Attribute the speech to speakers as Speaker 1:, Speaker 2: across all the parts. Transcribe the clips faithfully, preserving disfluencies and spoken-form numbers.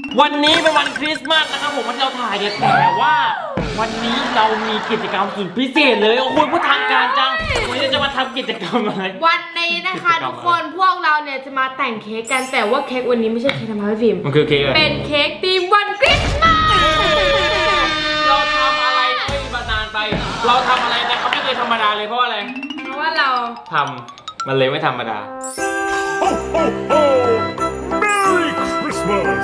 Speaker 1: วันนี้เป็นวันคริสต์มาสนะครับผมวันที่เราถ่ายเนี่ยแต่ว่าวันนี้เรามีกิจกรรมสุดพิเศษเลยโอ้โหพูดทางการจังวันนี้จะมาทำกิจกรรมอะไร
Speaker 2: วันนี้นะคะทุกคนพวกเราเนี่ยจะมาแต่งเค้กกันแต่ว่าเค้กวันนี้ไม่ใช่เค้กธรรมดาพี่ฟิล์ม
Speaker 1: มันคือเค้กอะไร
Speaker 2: เป็นเค้กธีมวันคริสต์มาส
Speaker 1: เราทำอะไรไม่มานานไปเราทำอะไรนะครับไม่เคยธรรมดาเลยเพราะอะไร
Speaker 2: เพราะว่าเรา
Speaker 1: ทำมันเลยไม่ธรรมดา
Speaker 3: Ho, ho, ho! Merry Christmas!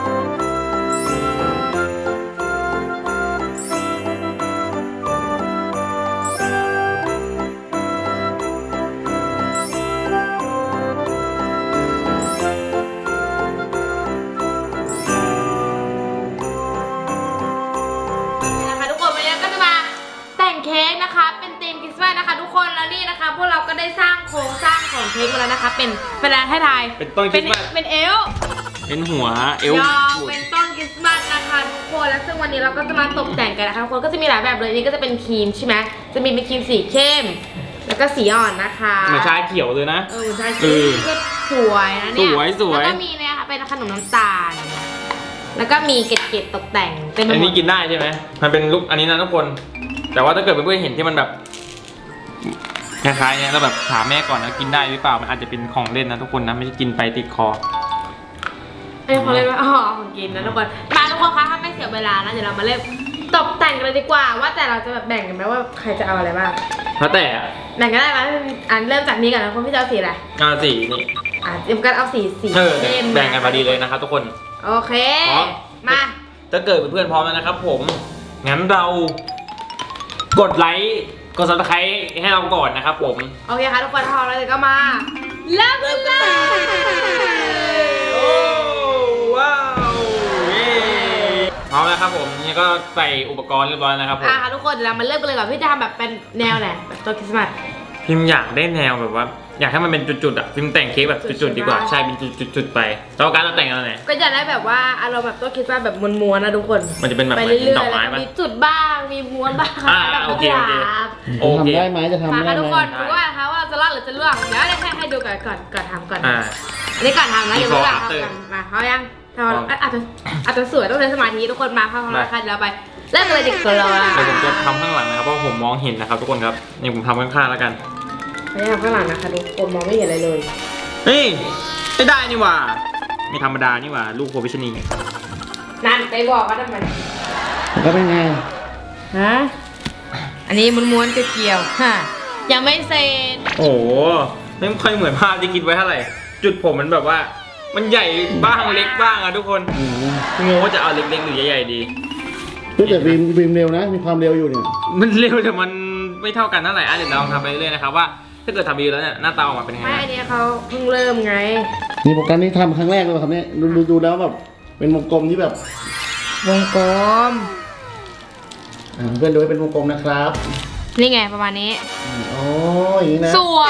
Speaker 2: นะคะทุกคนวันนี้ก็จะมาแต่งเค้กนะคะเป็นธีมคริสต์มาสนะคะทุกคนแล้วนี่นะคะพวกเราก็ได้สร้างโครงสร้างของเค้กมาแล้วนะคะเป็นเป็นอะไรให้ทาย
Speaker 1: เป็นต้นคริสต์มาส
Speaker 2: เป็นเอล
Speaker 1: เป็นหัวเอล
Speaker 2: ยาวเป็นต้นคริสต์มาสนะคะทุกคนแล้วซึ่งวันนี้เราก็จะมาตกแต่งกันนะคะทุกคนก็จะมีหลายแบบเลยนี่ก็จะเป็นครีมใช่ไหมจะมีเป็นครีมสีเข้มแล้วก็สีอ่อนนะคะ
Speaker 1: เหมือนชาเขียวเลยนะ
Speaker 2: เออชาเขียวก็สวยนะเนี่ย
Speaker 1: สวยสวย
Speaker 2: แล้วก็มีเนี่ยค่ะเป็นขนมน้ำตาลแล้วก็มีเกล็ดๆตกแต่งเต็มไปหมด
Speaker 1: อันนี้กินได้ใช่ไหมมันเป็นลุคอันนี้นะทุกคนแต่ว่าถ้าเกิดเพื่อนๆเห็นที่มันแบบคล้ายๆเนี่ยเราแบบถามแม่ก่อนนะกินได้หรือเปล่ามันอาจจะเป็นของเล่นนะทุกคนนะไม่ใช่กินไปติดคอ
Speaker 2: ไอ้ของเล่นว่าอ๋อของกินนะทุกคนมาทุกคนคะถ้าไม่เสียเวลานะเดี๋ยวเรามาเริ่มตกแต่งกันเลยดีกว่าว่าแต่เราจะแบบแบ่งกันไหมว่าใครจะเอาอะไรบ้าง
Speaker 1: แล้วแต่
Speaker 2: แบ่งกันได้ไหมอันเริ่มจากนี้ก่อนนะคนพี่จะเอาสีอะไร
Speaker 1: เอาสีนี่
Speaker 2: อ่ะเตรียมกันเอาสีสี
Speaker 1: เข้มแบ่งกันพอดีเลยนะครับทุกคน
Speaker 2: โอเคมา
Speaker 1: ถ้าเกิดเพื่อนๆพร้อมแล้วนะครับผมงั้นเรากดไลค์กดซับสไครต์ให้เราก่อนนะครับผม
Speaker 2: โอเคค่ะทุกคนพร้อมแล้วเดี๋ยวก็มาเริ่มกันเลย
Speaker 1: โอ้ว้าวพร้อมแล้วครับผมนี่ก็ใส่อุปกรณ์เรียบร้อยแล้วครับผม
Speaker 2: อ่ะทุกคนเดี๋ยวเรามาเริ่มกันเลยก่อนพี่จะทำแบบเป็นแนวไหนแบบต้นคริสต์มาส
Speaker 1: พิมอยากได้แนวแบบว่าอยากให้มันเป็นจุดๆอ่ะพิมแต่งเค้กแบบจุดๆดีกว่าใช่เป็นจุดๆไปแล้วการเราแต่งอะไร
Speaker 2: ก็จะได้แบบว่าอารมณ์แบบต้นคริสต์มาสแบบม้วนๆนะทุกคน
Speaker 1: มันจะเป็นแบบ
Speaker 2: ไปเรื่อยๆ
Speaker 1: ดอกไม้
Speaker 2: มีจุดบ้างมีม้วนบ้าง
Speaker 1: แบบโอเคโอเค
Speaker 4: โอเคทำได้ไหมจะทำได้ไหม
Speaker 2: ทุกคนดูว่านะคะว่าจะรอดหรือจะล่วงเดี๋ยวให้ให้ดูก่อนก่อนก่อนทำก่อนอันนี้ก่อนทำนะเดี๋ยวเราทำกันมาเขายังทำอาจจะอาจจะสวยต้องใช้สมาธิทุกคนมาเข้ามาค่ะเดี๋ยวเราไปเริ่มเลยดีกว่า
Speaker 1: เดี๋ยวผมจะทำข้างหลังนะครับเพราะผมมองเห็นนะครับทุกคนครับนี่ผมทำข้างๆแล้วกัน
Speaker 2: ไม่ทำข้างหลังนะคะทุกคนมองไม่เห็นอะไรเลย
Speaker 1: เฮ้ยไม่ได้นี่หว่าไม่ธรรมดานี่หว่าลูกโควิชนี
Speaker 2: นั่นไปบอกว่าทำไม
Speaker 4: ก็เป็นไง
Speaker 2: ฮะอันนี้ม้วนๆเกี่ยวๆฮะยังไม่เสร็จ
Speaker 1: โอ้โหไม่ค่อยเหมือนภาพที่คิดไว้เท่าไหร่จุดผมมันแบบว่ามันใหญ่บ้างเล็กบ้างอะทุกคนงงว่าจะเอาเล็กๆหรือใหญ่ๆดี
Speaker 4: แต่บีมบีมเร็วนะมีความเร็วอยู่เนี่ย
Speaker 1: มันเร็วแต่มันไม่เท่ากันเท่าไหร่อ่ะเดี๋ยวเราทำไปเรื่อยๆนะครับว่าถ้าเกิดทำดีแล้วเนี่ยหน้าตาออกมาเป็นยังไง
Speaker 2: ไม่อันนี้เขาเพิ่งเริ่มไง
Speaker 4: นี่โปรแกรมนี้ทำครั้งแรกเลยครับเนี่ยดูดูแล้วแบบเป็นวงกลมที่แบบ
Speaker 2: วงกลม
Speaker 4: เพื่อนดูเป็นวงกลมนะครับ
Speaker 2: นี่ไงประมาณนี้
Speaker 4: อ๋ออย่างนี้นะ
Speaker 2: สวย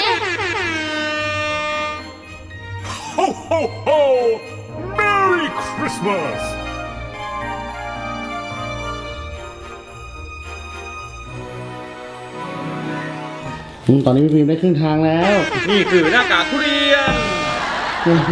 Speaker 3: Ho, ho, ho! Merry Christmas!
Speaker 4: ตอนนี้พี่พิมได้ครึ่งทางแล้ว
Speaker 1: นี่คือหน้ากากทุเรียนโอ้โห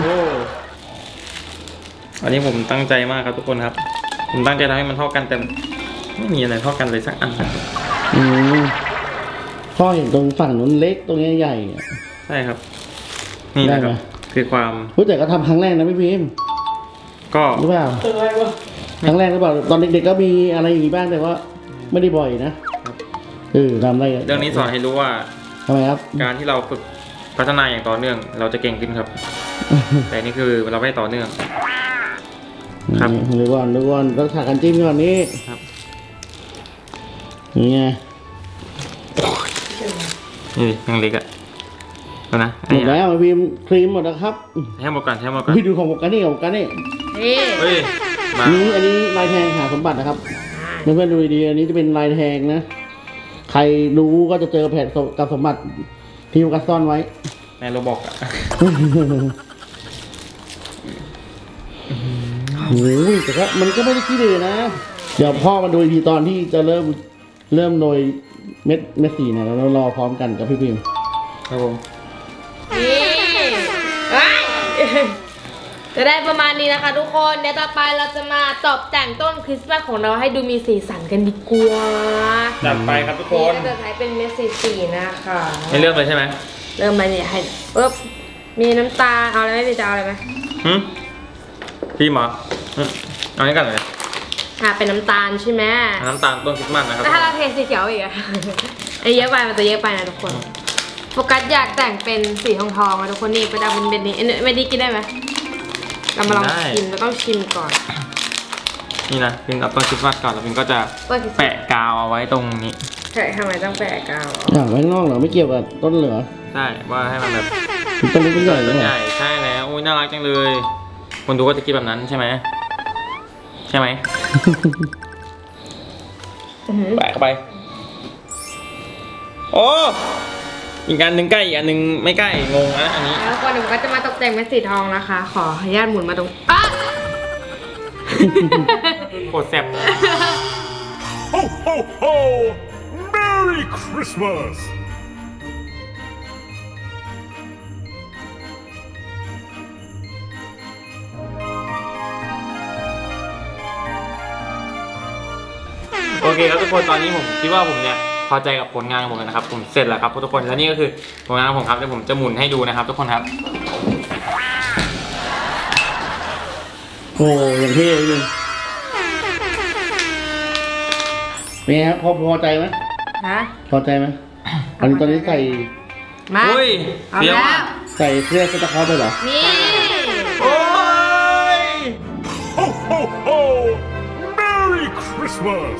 Speaker 1: อันนี้ผมตั้งใจมากครับทุกคนครับผมตั้งใจทำให้มันเท่ากันแต่ไม่มีอะไรเท่ากันเลยสักอันนะครับ
Speaker 4: อืมพ่อเห็นตรงฝั่งนู้นเล็กตรงนี้ใหญ่
Speaker 1: ใช่ครับนี่นะครับคือความ
Speaker 4: รู้แต่ก็ทำครั้งแรกนะพี่พิม
Speaker 1: ก็
Speaker 4: รู้เปล่าครั้งแรกหรือเปล่าตอนเด็กๆก็มีอะไรอย่างนี้บ้างแต่ว่าไม่ได้บ่อยนะเออทำได้
Speaker 1: เรื่องนี้สอนให้รู้ว่า
Speaker 4: ทำไมครับ
Speaker 1: การที่เราฝึกพัฒนาอย่างต่อเนื่องเราจะเก่งขึ้นครับแต่นี่คือเราไม่ต่อเนื่อง
Speaker 4: ครับหรือว่าหรือว่าต้องถ่ายกันจิ้มก่อนนี้ครับนี่ไง
Speaker 1: นี่ยังเล็กอ่ะดูนะ
Speaker 4: หมดแล้วพิมครีมหมดแล้วครับ
Speaker 1: ให้หมดก่อนให้หมดก่อน
Speaker 4: พี่ดูของโมกันนี่ของโมกันนี่
Speaker 1: เฮ้ย
Speaker 4: นี่อันนี้ลายแทงหาสมบัตินะครับเพื่อนๆดูดีอันนี้จะเป็นลายแทงนะใครรู้ก็จะเจอแผ่นกับสมบัติที่มันซ่อนไว้
Speaker 1: ในโรบอกอ่ะ
Speaker 4: โอ้ยแต่ก็มันก็ไม่ได้ขี้เลยนะเดี๋ยวพ่อมาดูอีกทีตอนที่จะเริ่มเริ่มโดยเม็ดเม็ดสีเนี่ยเรารอพร้อมกันกับพี่พิม
Speaker 1: ครับผม
Speaker 2: นี่จะได้ประมาณนี้นะคะ ทุกคนเดี๋ยวต่อไปเราจะมาตกแต่งต้นคริสต์มาสของเราให้ดูมีสีสันกันดีกว่า
Speaker 1: จัดไปครับทุกคน
Speaker 2: นี่ก็จะใช้เป็นเม็ดสีๆนะคะ
Speaker 1: ไม่เริ่มเลยใช่ไหม
Speaker 2: เริ่มมาเนี่ยให้ปึ๊บมีน้ำตาลเอาอะไรไหมพี่จะเอาอะไรไหม
Speaker 1: หืมพี่หมอหึเอานี้กันเลย
Speaker 2: อ่าเป็นน้ำตาลใช่ไหม
Speaker 1: น้ำตาลต้นคริสต์มาสนะครับ
Speaker 2: แต่ถ้าเราเทสีเขียวอีกอะ ไอ้เยอะไปมันจะเยอะไปนะทุกคนโฟกัสอยากแต่งเป็นสีทองทองๆอะทุกคนนี่ประดับเป็นเบ็ดนี้เอ้ยไม่ดีกินได้ไหมเรามาลองชิมเราต้องชิมก่อน
Speaker 1: นี่นะพิมเอาต้นคริสต์มาสก่อนแล้วพิมก็จะ
Speaker 2: ต้นคริสต์มาส
Speaker 1: แปะกาวเอาไว้ตรงนี้
Speaker 2: ใช่ทำไมต้องแปะกาว
Speaker 4: อ่าไว้ข้างนอกเหรอไม่เกี่ยวกับต้นเหลือ
Speaker 1: ใช่ว่าให้มันแบบ
Speaker 4: ต้นเล็กต้นใหญ่
Speaker 1: ต้น
Speaker 4: เนี่
Speaker 1: ให
Speaker 4: ย
Speaker 1: ญ่ใช่แล้วอุ้ยน่ารักจังเลย คนดูก็จะคิดแบบนั้นใช่ไหมใช่ไหม
Speaker 2: อื้อหือ
Speaker 1: แปะเข้าไปโอ้อีกอันหนึ่งใกล้อีกอันหนึ่งไม่ใกล้งงนะอันนี้
Speaker 2: แล้วทุกคนเดี๋ยวผมก็จะมาตกแต่งเป็นสีทองนะคะ ขออนุญาตหมุนมาตรงอ่ะ
Speaker 1: โคตรแซ่บ
Speaker 3: Ho, ho, ho! Merry Christmas!
Speaker 1: โอเคครับทุกคนตอนนี้ผมคิดว่าผมเนี่ยพอใจกับผลงานของผมแล้วนะครับผมเสร็จแล้วครับทุกคนและนี่ก็คือผลงานของผมครับเดี๋ยวผมจะหมุนให้ดูนะครับ ทุกคนครับ
Speaker 4: โอ้อย่างเท่เลยเป็นไงครับพอพอใจไหม
Speaker 2: ฮะ
Speaker 4: พอใจไหมอันนี้ตอนนี้ใส่
Speaker 2: มา
Speaker 1: อุ้ย
Speaker 2: เอา
Speaker 1: เดี๋ยว
Speaker 2: แล้ว
Speaker 4: ใส่เครื่องสตาร์คอร์ไปเหรอ
Speaker 2: นี่
Speaker 1: โอ้ย
Speaker 3: Ho, ho, ho! Merry Christmas!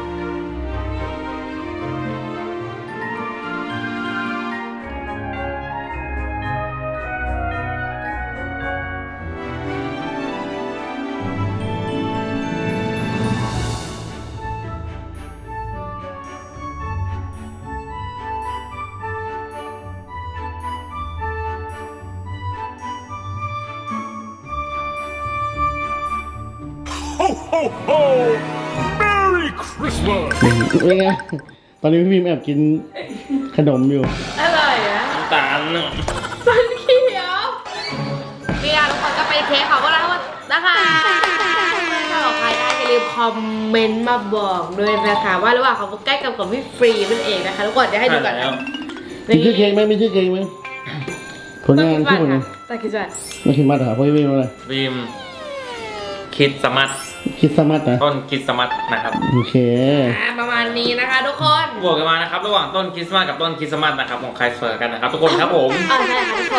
Speaker 3: โ Ho, ho, ho! Merry Christmas!
Speaker 4: เป็นไงตอนนี้พี่พิมแอบกินขนมอยู่
Speaker 2: อร่อยนะ
Speaker 1: น้ำตาลน่ะ
Speaker 2: ฟันเขียวนี่อะทุกคนก็ไปเทสเขาก็แล้วนะคะถ้าบอกใครได้อย่าลืมคอมเมนต์มาบอกด้วยนะคะว่าระหว่างของใกล้กับของพี่ฟรีนั่นเองนะคะทุกคนเดี๋ยวให้ดูกัน
Speaker 1: แล้ว
Speaker 4: มีชื่อเค้กไหมมีชื่อเค้กไหมผลงานชื่อผลงาน
Speaker 2: ตาคิดว่า
Speaker 4: ไม่คิดมัดเหรอเพราะพี่พิมอะไร
Speaker 1: บีมคิดสมัต
Speaker 4: คิดสมัดนะ
Speaker 1: ต้นคิดสมัตนะครับ
Speaker 4: โอเค
Speaker 2: อ่าประมาณนี้นะคะทุกคน
Speaker 1: บวกกันมานะครับระหว่างต้นคริสต์มาสกับต้นคริสต์มาสนะครับของใครสวยกันนะครับทุกคนครับผม
Speaker 2: เออใช่ค่ะทุกคน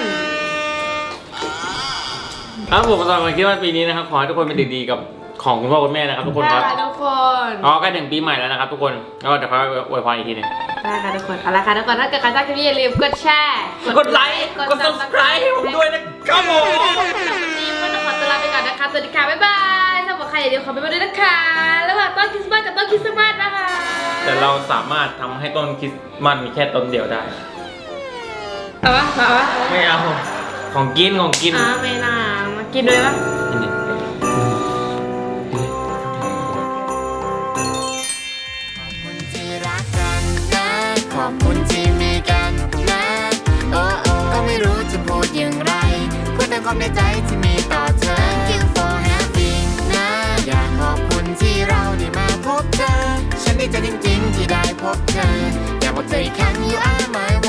Speaker 1: ครับผมสำหรับวันคริสต์มาสปีนี้นะครับขอให้ทุกคนเป็นเด็กดีกับของคุณพ่อคุณแม่นะครับทุกคนครับ
Speaker 2: ได้ค่ะทุกคน
Speaker 1: อ๋อใกล้ถึงปีใหม่แล้วนะครับทุกคนก็เดี๋ยวเขาอวยพรอีกทีหนึง
Speaker 2: ได้ค่ะทุกคนเอาละค่ะทุกคนถ้าเกิดใครชอบคลิปนี้อย่าลืมกดแชร์
Speaker 1: กดไลค์กด subscribe ให้ผมด้วยนะครับผม
Speaker 2: วันนี้ก็ต้องขอตัวลาไปก่อนนะคะสวัสดีค่ะบ๊ายบายสำหรับใครอย่าลืมขอไปมาด้วยนะคะระหว่างต้นคริสต์มาสกับต้นคริสต์มาสนะคะ
Speaker 1: แต่เราสามารถทำให้ต้นคริสต์มาสมีแค่ต้นเดียวได้
Speaker 2: เอาวะเอาวะ
Speaker 1: ไม่เอาของกินของกิน
Speaker 2: อ่าไม่น่ามากินด้วยปะ
Speaker 1: กินดิ
Speaker 5: ที่รักกันนะขอบคุณที่มีกันนะโอ้โอ้ก็ไม่รู้จะพูดอย่างไรพูดแต่ความในใจที่มีต่อเธอ Thank you for having นะอยากขอบคุณที่เราได้มาพบเธอ ฉันดีใจจริงๆที่ได้พบเธอ อยากบอกเธออีกครั้ง you are my